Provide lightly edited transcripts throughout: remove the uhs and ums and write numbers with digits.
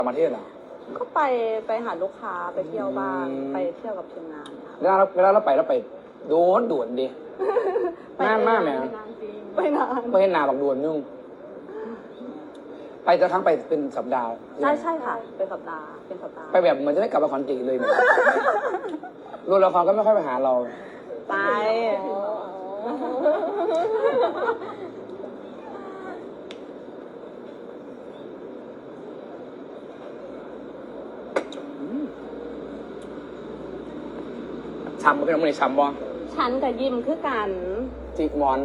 ต่างประเทศเหรอก็ไปหาลูกค้าไปเที่ยวบ้างไปเที่ยวกับทีมงานค่ะเวลาเราไปด่วนดินานมากไหมไปนานไม่เห็นหนาบักด่วนนุ่งไปจะทั้งไปเป็นสัปดาห์ใช่ค่ะเป็นสัปดาห์ไปแบบเหมือนจะไม่กลับมาคอนติเลยเนี่ยรวมละครก็ไม่ค่อยไปหาเราไปช้ำบ่เป็นอะไรช้ำบ่ฉันกับยิมคือกันจิกหมอน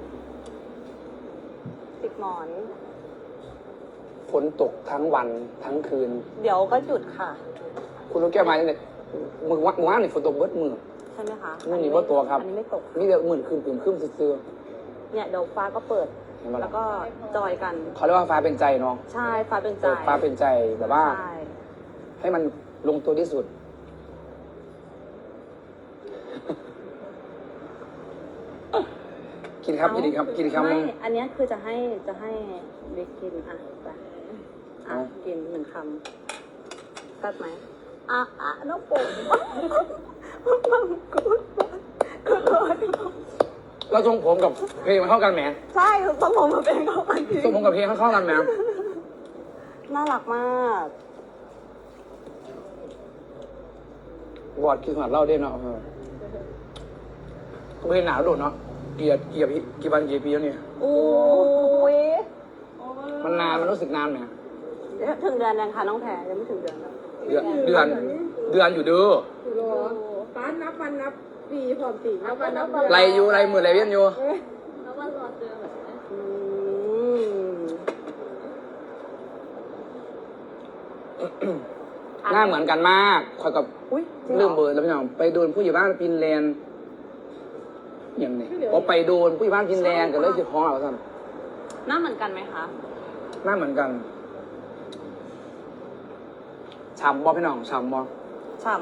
ฝนตกทั้งวันทั้งคืนเดี๋ยวก็หยุดค่ะคุณรู้แก้มาเนี่ยมือว่านนี่ฝนตกเบิดมือใช่ไหมคะมือนี่ว่าตัวครับอันนี้ไม่ตกนี่เดี๋ยวมือคืนซื่อเนี่ยเดี๋ยวฟ้าก็เปิดแล้วก็จอยกันเขาเรียกว่าฟ้าเป็นใจเนาะใช่ฟ้าเป็นใจแบบว่าให้มันลงตัวที่สุดกินครับกินครับไม่อันนี้คือจะให้บิ๊กกินอ่ะไปกิน1 คำตัดไหมน้องปุ๋มมังกุดเราทรงผมกับเพลงมันเข้ากันไหมใช่ทรงผมกับเพลงเข้ากันทรงผมกับเพลงเข้ากันไหมน่ารักมากบอดคิดหัดเล่าได้เนาะเพลงหนาวโดดเนาะกี่วันกี่ปีแล้วเนี่ยโอ้ยมันนานมันรู้สึกนานไหมถึงเดือนยังค่ะน้องแพรยังไม่ถึงเดือนเดือนอยู่ดูป้านับวันนับปีพร้อมปีนับวันนับไรอยู่ไรมือไรเวียนอยู่นับวันรอเจอแบบหน้าเหมือนกันมากคอยกับเรื่องเบอร์แล้วพี่น้องไปโดนผู้ใหญ่บ้านฟินแลนด์อย่างนี้พอไปโดนผู้ใหญ่บ้านฟินแลนด์กันเลยจะท้องเอาสั้นหน้าเหมือนกันไหมคะหน้าเหมือนกันฉ่ำบอพี่น้องฉ่ำบอฉ่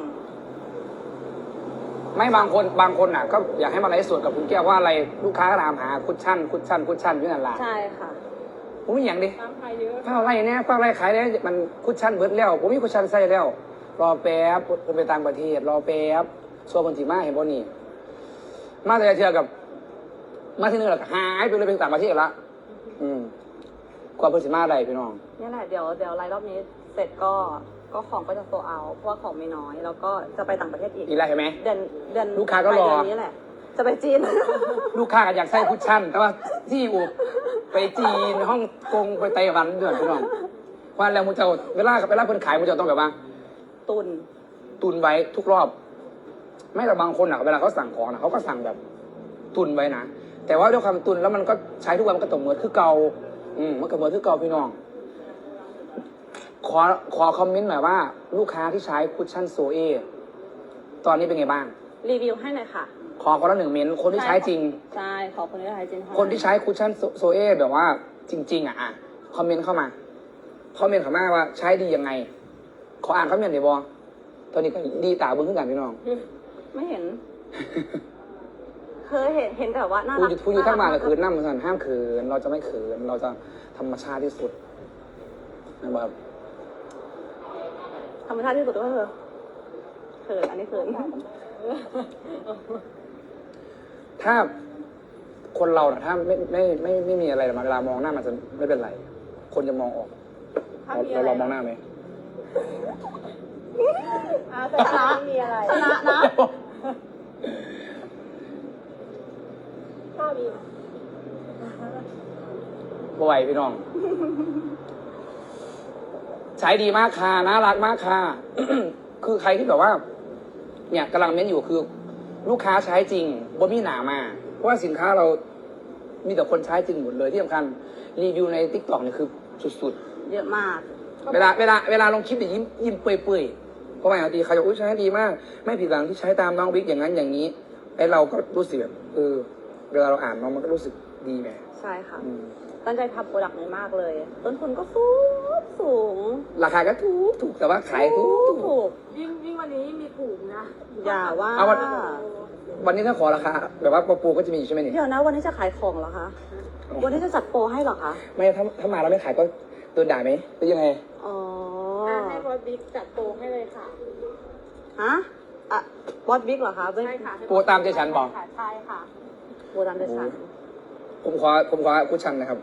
ำไม่บางคนน่ะก็อยากให้มาไลฟ์สดกับคุณแก้วว่าอะไรลูกค้าก็ถามหาคุชชั่นอยู่นั่นแหละใช่ค่ะผมไม่อย่างดิตามใครเยอะเฝ้าไล่เนี่ยเฝ้าไล่ขายเนี่ยมันคุชชั่นเบิร์ดแล้วผมมีคุชชั่นใส่แล้วรอแป๊บไปต่างประเทศรอแป๊บส่วนคนที่มาเห็นบ่นี่มาแต่เชื่อกับมาที่นึงแล้วหายไปเลยไปต่างประเทศละกว่าเพิ่นสิมาได้พี่น้องนี่แหละเดี๋ยวไลฟ์รอบนี้เสร็จก็ของก็จะโซเอาเพราะว่าของไม่น้อยแล้วก็จะไปต่างประเทศอีกแล้วใช่ไหมเดือนลูกค้าก็รอนี้แหละจะไปจีนลูกค้าก็อยากใส่คุชชั่นแต่ว่าที่อยู่ไปจีนฮ่องกงไปไต้หวันด้วยพี่น้องว่าแล้วมูเจ้าเวลาเพิ่นขายมูเจ้าต้องแบบว่าตุนไว้ทุกรอบไม่แต่บางคนอ่ะเวลาเขาสั่งของนะเขาก็สั่งแบบตุนไว้นะแต่ว่าด้วยความตุนแล้วมันก็ใช้ทุกวันมันก็ตกเหมือนคือเก่ามันก็เหมือนคือเก่าพี่น้องขอคอมเมนต์หน่อยว่าลูกค้าที่ใช้คุชชั่นโซเอตอนนี้เป็นไงบ้างรีวิวให้หน่อยค่ะขอคนละ1 เมนต์คนที่ใช้จริงใช่ขอคนที่ใช้จริงคนที่ใช้คุชชั่นโซเอแบบว่าจริงๆคอมเมนต์เข้ามาว่าใช้ดียังไงขออ่านคอมเมนต์หน่อยบอตอนนี้ก็ดีตาเบิ้งขึ้นกันพี่น้องไม่เห็นเคยเห็นแต่ว่าน่ารักผู้อยู่ทั้งมาก็คือนั่งมันห้ามเขินเราจะไม่เขินเราจะธรรมชาติที่สุดนะครับธรรมชาติที่สุดก็คือเขินอันนี้เขินถ้าคนเราถ้าไม่มีอะไรมาเวลามองหน้ามันจะไม่เป็นไรคนจะมองออกเราลองมองหน้าไหมชนะมีอะไรชนะนะข้าวมีบ่อยพี่น้องใช้ดีมากค่ะน่ารักมากค่ะ คือใครที่แบบว่าเนี่ยกำลังเม้นอยู่คือลูกค้าใช้จริงบ่มีหนามาเพราะว่าสินค้าเรามีแต่คนใช้จริงหมดเลยที่สำคัญรีวิวใน TikTok เนี่ยคือสุดๆเยอะมากเวลาลงคลิปเนี่ยยิ้มเปื่อยๆเพราะว่าบางทีเขาจะใช้ดีมากไม่ผิดหวังที่ใช้ตามน้องบิ๊กอย่างนั้นอย่างนี้ไอเราก็รู้สึกแบบเวลาเราอ่านน้องมันก็รู้สึกดีไงใช่ค่ะตั้งใจทำโปรดักต์นี้มากเลยต้นทุนก็สูงราคาก็ถูกแต่ว่าขายถูกยิ่งวันนี้มีถูกนะอย่าว่าวันนี้ถ้าขอราคาแบบว่าโปรก็จะมีใช่ไหมเนี่ยเดี๋ยวนะวันนี้จะขายของเหรอคะวันนี้จะจัดโปรให้เหรอคะไม่ถ้ามาแล้วไม่ขายก็โดนด่าไหมหรือยังไงอ๋ออสบิ๊กจัดโปรให้เลยค่ะฮะอ่ะบอสบิ๊กเหรอคะไม่ใช่ค่ะโปรตามใจฉันบอกใช่ค่ะโบตามเดชันผมขอคุชชั่นนะครับ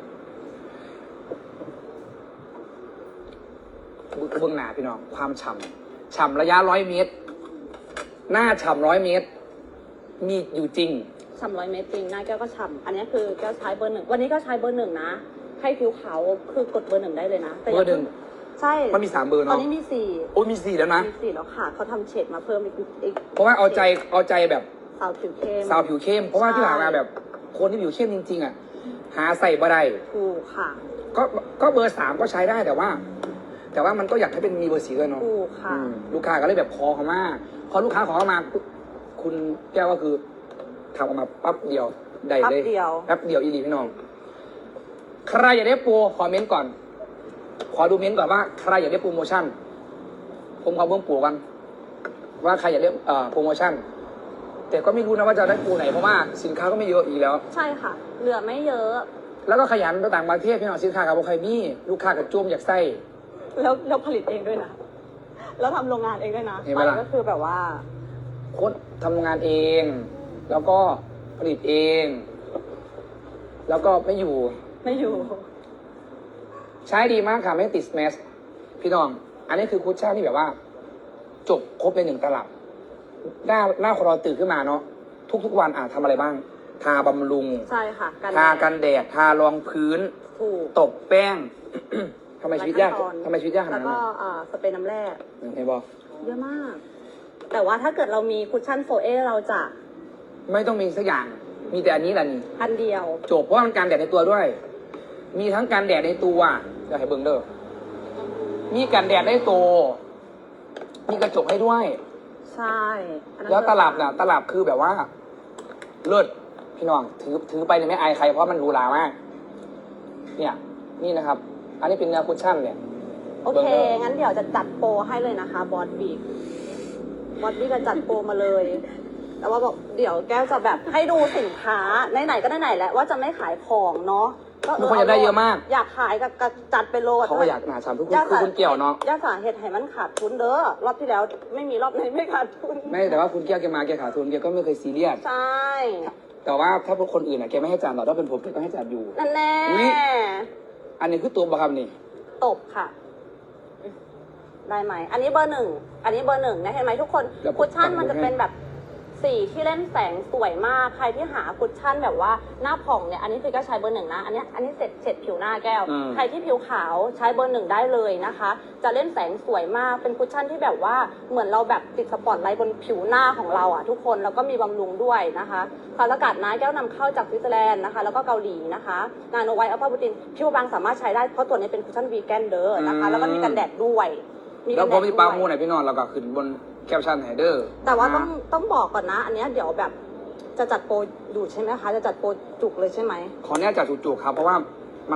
เบื้องหน้าพี่น้องความฉ่ำระยะ100 เมตร หน้าฉ่ำ100 เมตร มีอยู่จริงฉ่ำ100 เมตรจริงหน้าแก้วก็ฉ่ำอันนี้คือแก้วใช้เบอร์ 1วันนี้ก็ใช้เบอร์ 1นะให้ผิวขาวคือกดเบอร์ 1ได้เลยนะแต่เบอร์ 1 ใช่มันมี3 เบอร์ตอนเนาะนี้มี4 โอ้ยมี 4 แล้วนะมี4แล้วค่ะเขาทำเฉดมาเพิ่มอีกเพราะว่าเอาใจแบบสาวผิวเข้มสาวผิวเข้ม เพราะว่าที่ผ่านมาแบบ คนที่ผิวเข้มจริงๆอ่ะ หาใส่บ่ได้ถูกค่ะก็เบอร์ 3ก็ใช้ได้แต่ว่ามันก็อยากให้เป็นมีเบอร์ 4ด้วยเนาะถูกค่ะลูกค้าก็เลยแบบขอเขามาพอลูกค้าขอเข้ามาปุ๊บคุณแก้วก็คือทำออกมาปั๊บเดียวได้เลยแป๊บเดียวแป๊บเดียวอีหลีพี่น้อง ใครอยากได้โปรขอเม้นต์ก่อน ขอดูเม้นต์ก่อนว่าใครอยากได้โปรโมชั่น ผมขอเบิ้งโปรกัน ว่าใครอยากได้โปรโมชั่น แต่ก็ไม่รู้นะว่าจะได้โปรไหนเพราะว่าสินค้าก็ไม่เยอะอีกแล้วใช่ค่ะ เหลือไม่เยอะแล้วก็ขยันไปต่างประเทศพี่น้องสินค้ากับใครมีลูกค้ากับจุ่มอยากใส่แล้วผลิตเองด้วยนะ แล้วทำโรงงานเองด้วยนะเห็นไหมล่ะก็คือแบบว่าโค้ดทำงานเอง แล้วก็ผลิตเอง แล้วก็ไม่อยู่ไม่อยู่ใช้ดีมากค่ะไม่ติดแมสพี่น้อง อันนี้คือคุชชั่นที่แบบว่า จบครบใน1 ตลับ หน้าคอเราตื่นขึ้นมาเนาะทุกวันทำอะไรบ้าง ทาบำรุงใช่ค่ะทากันแดด ทารองพื้นถูกตบแป้ง ทำไมชีวิตยากหลายขั้นตอนทำไมชีวิตยากขแล้นาดวนั้นก็น่ะสเปรย์น้ำแร่เห็นบอกเยอะมาก แต่ว่าถ้าเกิดเรามีคุชชั่นโฟเอเราจะไม่ต้องมีสักอย่าง มีแต่อันนี้แหละนี่อันเดียวจบเพราะว่ามันการแดดในตัวด้วย มีทั้งการแดดในตัวเดี๋ยวให้เบิ่งเด้อมีการแดดในตัว มีกระจกให้ด้วยใช่อันนั้นแล้วตลับน่ะ ตลับคือแบบว่า เลิศพี่น้องถือไปเนี่ยไม่อายใครเพราะมันหรูหรามาก เนี่ย นี่นะครับ อันนี้เป็นเนื้อคุชชั่นเนี่ยโอเค งั้นเดี๋ยวจะจัดโปรให้เลยนะคะ บอสบิ๊กจะจัดโปรมาเลย แต่ว่าบอกเดี๋ยวแก้วจะแบบให้ดูสินค้าไหนๆก็ไหนๆแล้วว่าจะไม่ขายของเนาะมีคนอยากได้เยอะมากอยากขายก็จัดไปโลดเขาก็อยากหาชามทุกคนคือคุณเกี่ยวเนาะย่าสาเหตุให้มันขาดทุนเด้อ รอบที่แล้วไม่มีรอบไหนไม่ขาดทุนไม่แต่ว่าคุณเกี่ยวแกมาแกขาดทุนแกก็ไม่เคยซีเรียสใช่แต่ว่าถ้าพวกคนอื่นแกไม่ให้จ่ายหรอกถ้าเป็นผมแกก็ให้จ่ายอยู่นั่นแน่อุ๊ย อันนี้คือตัวบัคำนี่ตบค่ะ ได้ไหม อันนี้เบอร์ 1 อันนี้เบอร์ 1นะเห็นไหมทุกคน คุชชั่นมันจะเป็นแบบสีที่เล่นแสงสวยมาก ใครที่หาคุชชั่นแบบว่าหน้าผ่องเนี่ย อันนี้คือก็ใช้เบอร์ 1นะ อันนี้เสร็จผิวหน้าแก้ว ใครที่ผิวขาวใช้เบอร์ 1ได้เลยนะคะ จะเล่นแสงสวยมาก เป็นคุชชั่นที่แบบว่าเหมือนเราแบบติดสปอตไลท์บนผิวหน้าของเราอ่ะทุกคน แล้วก็มีบำรุงด้วยนะคะสารสกัดนะแก้วนำเข้าจากสวิตเซอร์แลนด์นะคะ แล้วก็เกาหลีนะคะนาโนไวท์อัลฟาบูตินผิวบางสามารถใช้ได้ เพราะตัวนี้เป็นคุชชั่นวีแกนเดอร์นะคะ แล้วก็มีกันแดดด้วยแล้วพอมีปลาโมไหนพี่นอนเราก็ขึ้นบนแคปชั่นไฮเดอร์แต่ว่าต้องบอกก่อนนะ อันเนี้ยเดี๋ยวแบบจะจัดโปรอยู่ใช่ไหมคะ จะจัดโปรจุกเลยใช่ไหมขอแน่จัดจุกๆครับ เพราะว่ามัน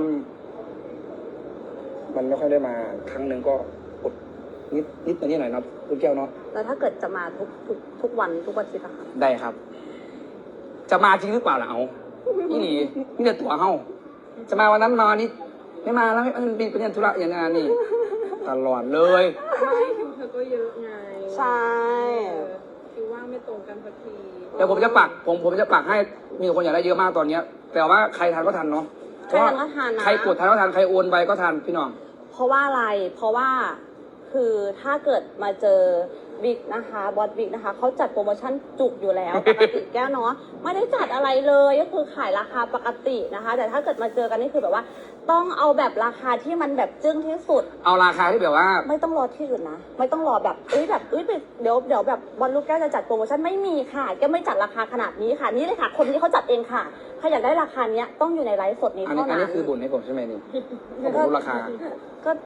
ไม่ค่อยได้มาครั้งหนึ่งก็อดนิดตัวนี้หน่อยเนาะคุณแก้วเนาะแล้วถ้าเกิดจะมาทุกวันทุกวันอาทิตย์อะคะได้ครับ จะมาจริงหรือเปล่าล่ะเอานี่หลีนี่แต่ตัวเฮาจะมาวันนั้นมาวันนี้ไม่มาแล้วมันเป็นธุระอย่างนั้นนี่ตลอดเลยไม่คิวเธอก็เยอะไงใช่คิวว่างไม่ตรงกันสักทีเดี๋ยวผมจะปักผมจะปักให้มีคนอยากได้เยอะมากตอนเนี้ย แต่ว่าใครทันก็ทันเนาะใครทันก็ทันนะใครกดทันก็ทันใครโอนไปก็ทันพี่น้องเพราะว่าอะไร เพราะว่าคือถ้าเกิดมาเจอบิ๊กนะคะบอสบิ๊กนะคะเขาจัดโปรโมชั่นจุกอยู่แล้ว ปกติแก้วเนาะไม่ได้จัดอะไรเลยก็คือขายราคาปกตินะคะ แต่ถ้าเกิดมาเจอกันนี่คือแบบว่า ต้องเอาแบบราคาที่มันแบบจึ้งที่สุดเอาราคาที่แบบว่าไม่ต้องรอที่อื่นนะ ไม่ต้องรอแบบเดี๋ยวแบบบอลลูกแก้วจะจัดโปรโมชั่นไม่มีค่ะแกไม่จัดราคาขนาดนี้ค่ะนี่เลยค่ะ คนนี้เขาจัดเองค่ะใครอยากได้ราคาเนี้ยต้องอยู่ในไลฟ์สดนี้อันเท่านี้นั้นคือบ่นให้ผมใช่ไหมนี่ผมรู้ราคาก็